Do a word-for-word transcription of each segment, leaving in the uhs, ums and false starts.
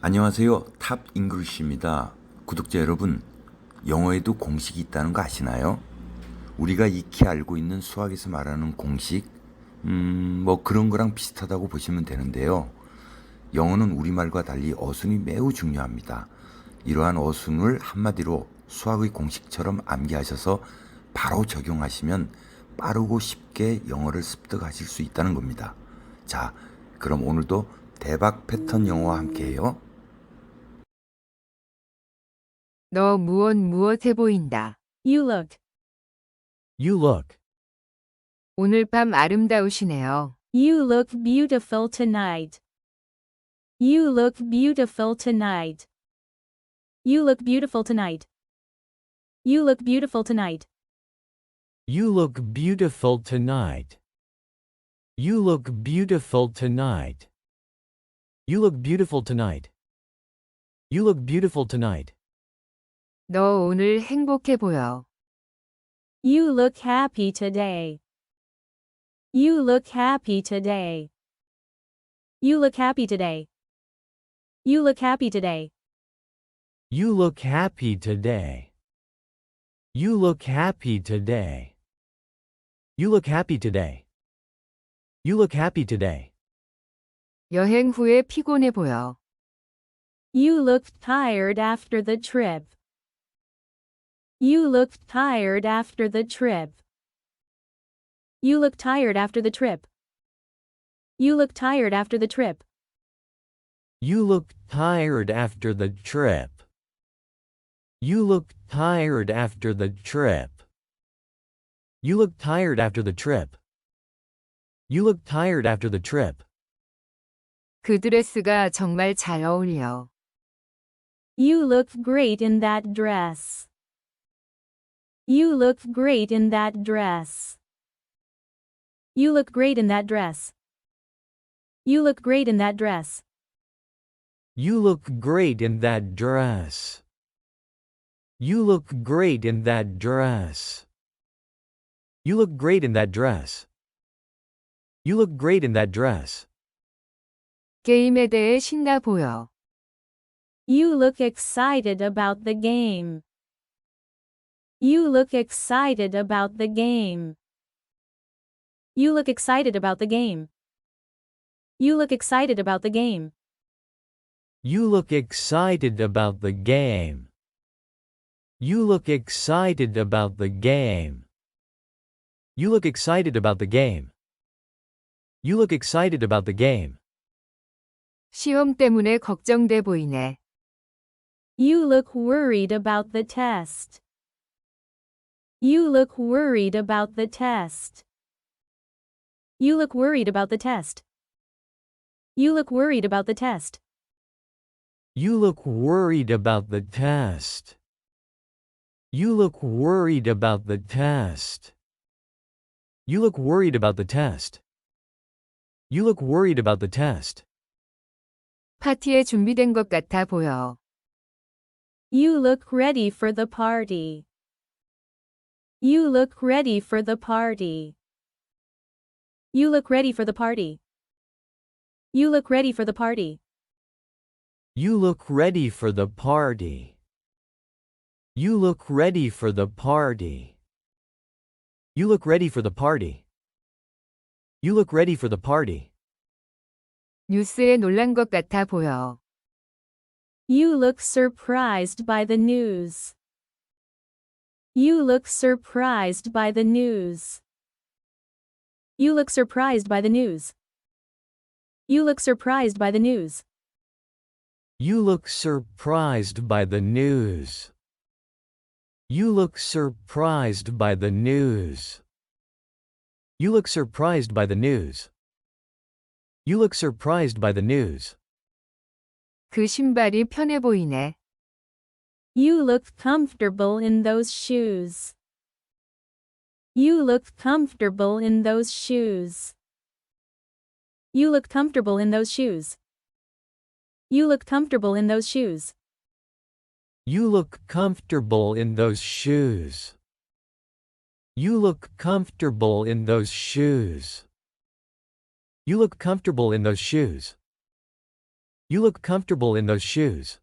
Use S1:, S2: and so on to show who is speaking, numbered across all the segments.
S1: 안녕하세요. 탑 잉글리쉬입니다. 구독자 여러분, 영어에도 공식이 있다는 거 아시나요? 우리가 익히 알고 있는 수학에서 말하는 공식, 음, 뭐 그런 거랑 비슷하다고 보시면 되는데요. 영어는 우리말과 달리 어순이 매우 중요합니다. 이러한 어순을 한마디로 수학의 공식처럼 암기하셔서 바로 적용하시면 빠르고 쉽게 영어를 습득하실 수 있다는 겁니다. 자, 그럼 오늘도 대박 패턴 영어와 함께해요.
S2: 너 무엇 무엇해 보인다.
S3: You look.
S4: You look.
S2: 오늘 밤 아름다우시네요.
S3: You look beautiful tonight. You look beautiful tonight. You look beautiful tonight. You look beautiful tonight.
S4: You look beautiful tonight. You look beautiful tonight. You look beautiful tonight. You look beautiful tonight.
S2: 너 오늘 행복해 보여.
S3: You look happy today. You look happy today. You look happy today. You look happy today.
S4: You look happy today. You look happy today. You look happy today. You look happy today.
S2: 여행 후에 피곤해 보여.
S3: You look tired after the trip. You look tired after the trip. You look tired after the trip. You look tired after the trip.
S4: You look tired after the trip. You look tired after the trip. You look tired after the trip. You look tired after the trip.
S2: 그 드레스가 정말 잘 어울려.
S3: You look great in that dress. You look great in that dress. You look great in that dress. You look great in that dress.
S4: You look great in that dress. You look great in that dress. You look great in that dress. You look great in that dress.
S2: 게임에 대해 신나 보여.
S3: You look excited about the game. You look excited about the game. You look excited about the game. You look excited about the game.
S4: You look excited about the game. You look excited about the game. You look excited about the game. You look excited about the game.
S2: 시험 때문에 걱정돼 보이네.
S3: You look worried about the test. You look worried about the test. You look worried about the test. You look worried about the test.
S4: You look worried about the test. You look worried about the test. You look worried about the test. You look worried about the test.
S2: 파티에 준비된 것 같아 보여.
S3: You look ready for the party. You look ready for the party. You look ready for the party. You look ready for the party.
S4: You look ready for the party. You look ready for the party. You look ready for the party. You look ready for the party.
S2: 뉴스에 놀란 것 같아 보여.
S3: You look surprised by the news. You look surprised by the news. You look surprised by the news. You look surprised by the news.
S4: You look surprised by the news. You look surprised by the news. You look surprised by the news. You look surprised by the news.
S2: 그 신발이 편해 보이네.
S3: You look comfortable in those shoes. You look comfortable in those shoes. You look comfortable in those shoes. You look comfortable in those shoes.
S4: You look comfortable in those shoes. You look comfortable in those shoes. You look comfortable in those shoes. You look comfortable in those shoes.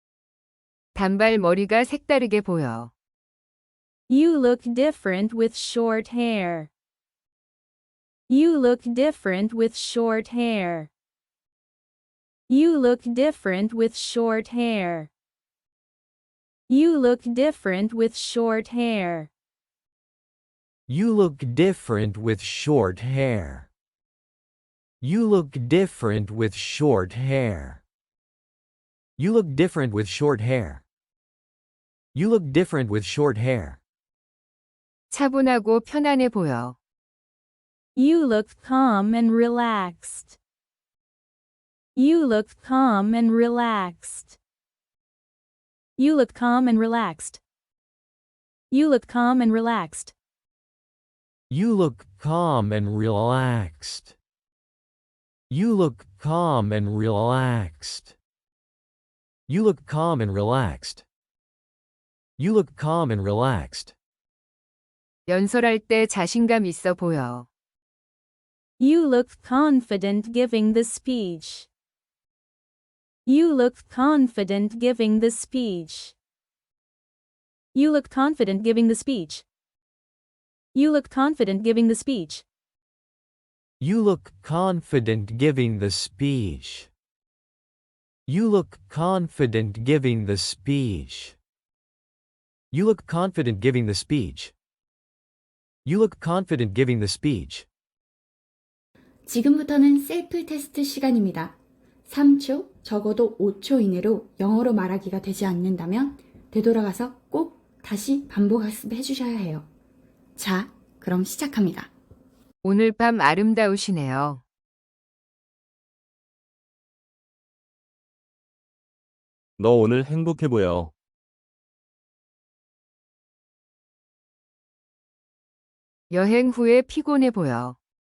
S2: 단발머리가 색다르게 보여.
S3: You look different with short hair. You look different with short hair. You look different with short hair. You look different with short hair.
S4: You look different with short hair. You look different with short hair. You look different with short hair. You look different with short hair.
S2: 차분하고 편안해 보여.
S3: You look calm and relaxed. You look calm and relaxed. You look calm and relaxed. You look calm and relaxed.
S4: You look calm and relaxed. You look calm and relaxed. You look calm and relaxed. You look calm and relaxed.
S2: 연설할 때 자신감 있어 보여.
S3: You look confident giving the speech. You look confident giving the speech. You look confident giving the speech. You look confident giving the speech.
S4: You look confident giving the speech. You look confident giving the speech. You look confident giving the speech. You look confident giving the speech.
S5: 지금부터는 셀프 테스트 시간입니다. 삼 초, 적어도 오 초 이내로 영어로 말하기가 되지 않는다면 되돌아가서 꼭 다시 반복 학습해 주셔야 해요. 자, 그럼 시작합니다.
S2: 오늘 밤 아름다우시네요.
S6: 너 오늘 행복해 보여.
S2: 여행 후에 피곤해 보여.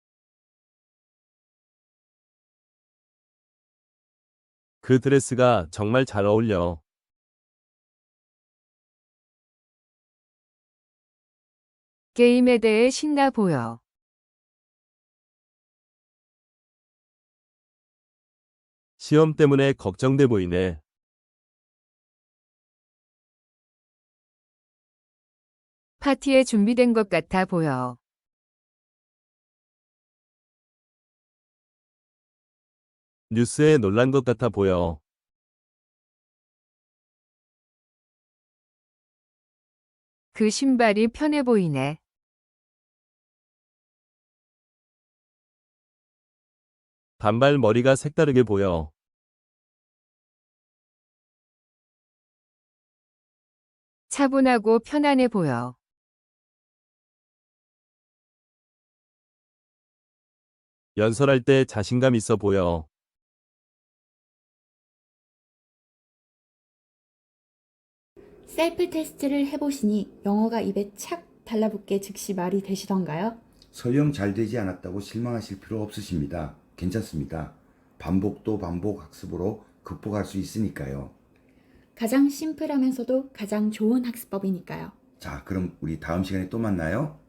S6: 그 드레스가 정말 잘 어울려.
S2: 게임에 대해 신나 보여.
S6: 시험 때문에 걱정돼 보이네.
S2: 파티에 준비된 것 같아 보여.
S6: 뉴스에 놀란 것 같아 보여.
S2: 그 신발이 편해 보이네.
S6: 단발 머리가 색다르게 보여.
S2: 차분하고 편안해 보여.
S6: 연설할 때 자신감 있어 보여.
S5: 셀프 테스트를 해보시니 영어가 입에 착 달라붙게 즉시 말이 되시던가요?
S1: 설령 잘 되지 않았다고 실망하실 필요 없으십니다. 괜찮습니다. 반복도 반복 학습으로 극복할 수 있으니까요.
S5: 가장 심플하면서도 가장 좋은 학습법이니까요.
S1: 자, 그럼 우리 다음 시간에 또 만나요.